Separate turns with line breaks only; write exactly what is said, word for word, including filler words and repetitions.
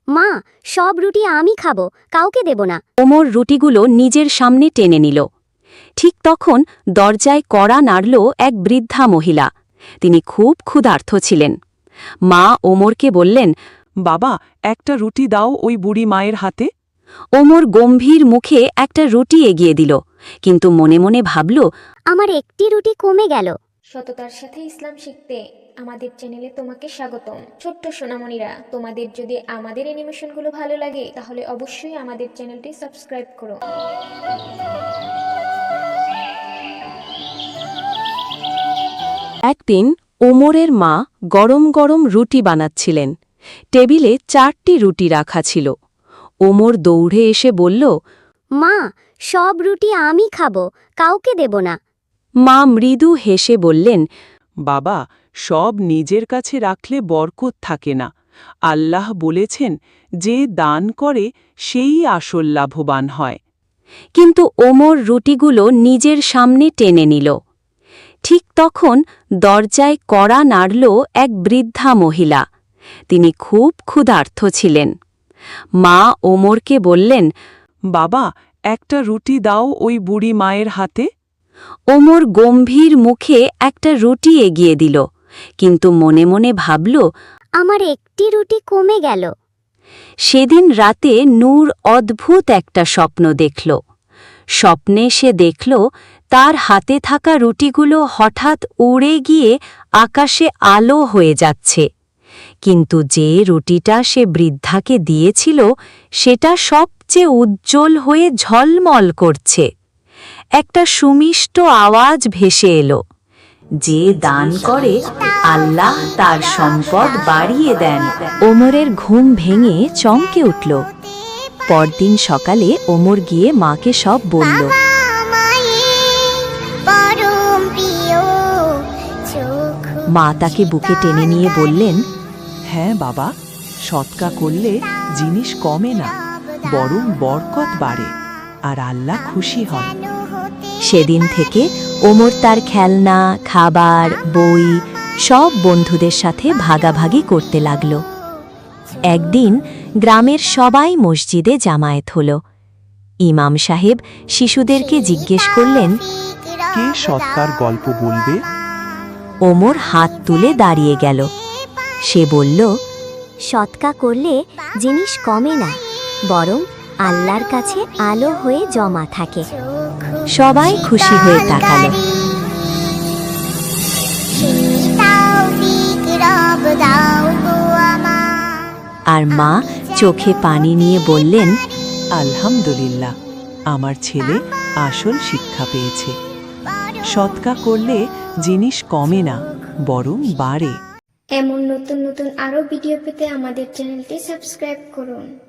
মা, সব রুটি আমি খাবো, কাউকে দেব না।
ওমর রুটিগুলো নিজের সামনে টেনে নিল। ঠিক তখন দরজায় কড়া নাড়ল এক বৃদ্ধা মহিলা। তিনি খুব ক্ষুধার্ত ছিলেন। মা ওমরকে বললেন,
বাবা, একটা রুটি দাও ওই বুড়ি মায়ের হাতে।
ওমর গম্ভীর মুখে একটা রুটি এগিয়ে দিল, কিন্তু মনে মনে ভাবল,
আমার একটি রুটি কমে গেল।
সততার সাথে ইসলাম শিখতে আমাদের চ্যানেলে তোমাকে স্বাগতম। ছোট্ট সোনামণিরা, তোমাদের যদি আমাদের অ্যানিমেশনগুলো ভালো লাগে তাহলে অবশ্যই আমাদের চ্যানেলটি সাবস্ক্রাইব করো।
একদিন ওমরের মা গরম গরম রুটি বানাচ্ছিলেন। টেবিলে চারটি রুটি রাখা ছিল। ওমর দৌড়ে এসে বলল,
মা, সব রুটি আমি খাবো, কাউকে দেব না।
মা মৃদু হেসে বললেন,
বাবা, সব নিজের কাছে রাখলে বরকত থাকে না। আল্লাহ বলেছেন, যে দান করে সেই আসল লাভবান হয়।
কিন্তু ওমর রুটিগুলো নিজের সামনে টেনে নিল। ঠিক তখন দরজায় কড়া নাড়ল এক বৃদ্ধা মহিলা। তিনি খুব ক্ষুধার্ত ছিলেন। মা ওমরকে বললেন,
বাবা, একটা রুটি দাও ওই বুড়ি মায়ের হাতে।
ওমর গম্ভীর মুখে একটা রুটি এগিয়ে দিল, কিন্তু মনে মনে ভাবল,
আমার একটি রুটি কমে গেল।
সেদিন রাতে নূর অদ্ভুত একটা স্বপ্ন দেখল। স্বপ্নে সে দেখল তার হাতে থাকা রুটিগুলো হঠাৎ উড়ে গিয়ে আকাশে আলো হয়ে যাচ্ছে। কিন্তু যে রুটিটা সে বৃদ্ধাকে দিয়েছিল সেটা সবচেয়ে উজ্জ্বল হয়ে ঝলমল করছে। একটা সুমিষ্ট আওয়াজ ভেসে এলো, যে দান করে আল্লাহ তার সম্পদ বাড়িয়ে দেন। ওমরের ঘুম ভেঙে চমকে উঠল। পরদিন সকালে ওমর গিয়ে মাকে সব বলল। মা তাকে বুকে টেনে নিয়ে বললেন,
হ্যাঁ বাবা, সৎকা করলে জিনিস কমে না, বরং বরকত বাড়ে আর আল্লাহ খুশি হন।
সেদিন থেকে ওমর তার খেলনা, খাবার, বই সব বন্ধুদের সাথে ভাগাভাগি করতে লাগল। একদিন গ্রামের সবাই মসজিদে জামায়াত হল। ইমাম সাহেব শিশুদেরকে জিজ্ঞেস করলেন,
কে সৎকার গল্প বলবে?
ওমর হাত তুলে দাঁড়িয়ে গেল। সে বলল,
সৎকা করলে জিনিস কমে না, বরং আল্লাহর কাছে আলো হয়ে জমা থাকে।
সবাই খুশি হয়ে তাকালো। আর মা চোখে পানি নিয়ে বললেন,
আলহামদুলিল্লাহ, আমার ছেলে আসল শিক্ষা পেয়েছে। সৎকা করলে জিনিস কমে না, বরং বাড়ে।
এমন নতুন নতুন আরও ভিডিও পেতে আমাদের চ্যানেলটি সাবস্ক্রাইব করুন।